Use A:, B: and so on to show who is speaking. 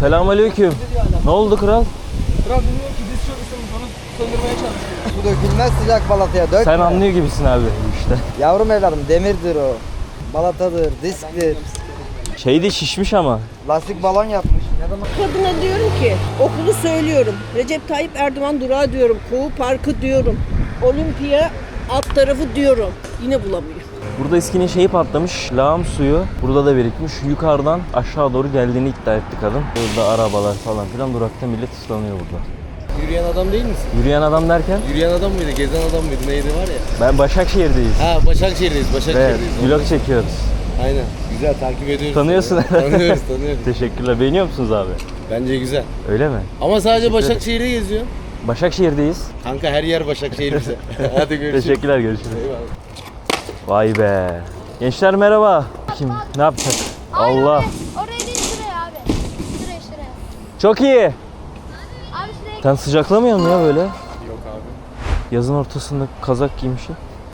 A: Selamünaleyküm. Ne oldu kral?
B: Kral bilmiyor ki diz çökmüşsün bunu söndürmeye çalışıyor.
C: Su dökülmez sıcak balataya dökme.
A: Sen anlıyor gibisin abi işte.
C: Yavrum evladım demirdir o. Balatadır, disktir.
A: Şey de şişmiş ama.
C: Lastik balon yapmış. Ne zaman?
D: Kadına diyorum ki okulu söylüyorum. Recep Tayyip Erdoğan durağı diyorum. Kuğu Parkı diyorum. Olimpiya alt tarafı diyorum. Yine bulamıyor.
A: Burada eskinin şeyi patlamış. Lağım suyu burada da birikmiş. Yukarıdan aşağı doğru geldiğini iddia etti kadın. Burada arabalar falan filan durakta millet ıslanıyor burada.
B: Yürüyen adam değil misin?
A: Yürüyen adam derken
B: Yürüyen adam mıydı? Gezen adam mıydı? Neydi var ya?
A: ben Başakşehir'deyiz.
B: Ha Başakşehir'deyiz.
A: Evet,
B: Başakşehir'deyiz.
A: vlog çekiyoruz.
B: Aynen. Güzel takip ediyoruz.
A: Tanıyorsun.
B: Tanıyoruz.
A: Teşekkürler. Beğeniyor musunuz abi?
B: Bence güzel.
A: Öyle mi?
B: Ama sadece Başakşehir'de geziyor.
A: Başakşehir'deyiz.
B: Kanka her yer Başakşehir bize. Hadi görüşürüz.
A: Teşekkürler, görüşürüz.
B: Eyvallah.
A: Vay be. Gençler merhaba. Kim? Ne yapacak? Allah.
E: Oraya değil şuraya abi. Şuraya.
A: Çok iyi.
E: Abi şuraya
A: Sen sıcaklamıyor musun ya böyle?
B: Yok abi.
A: Yazın ortasında kazak giymişsin.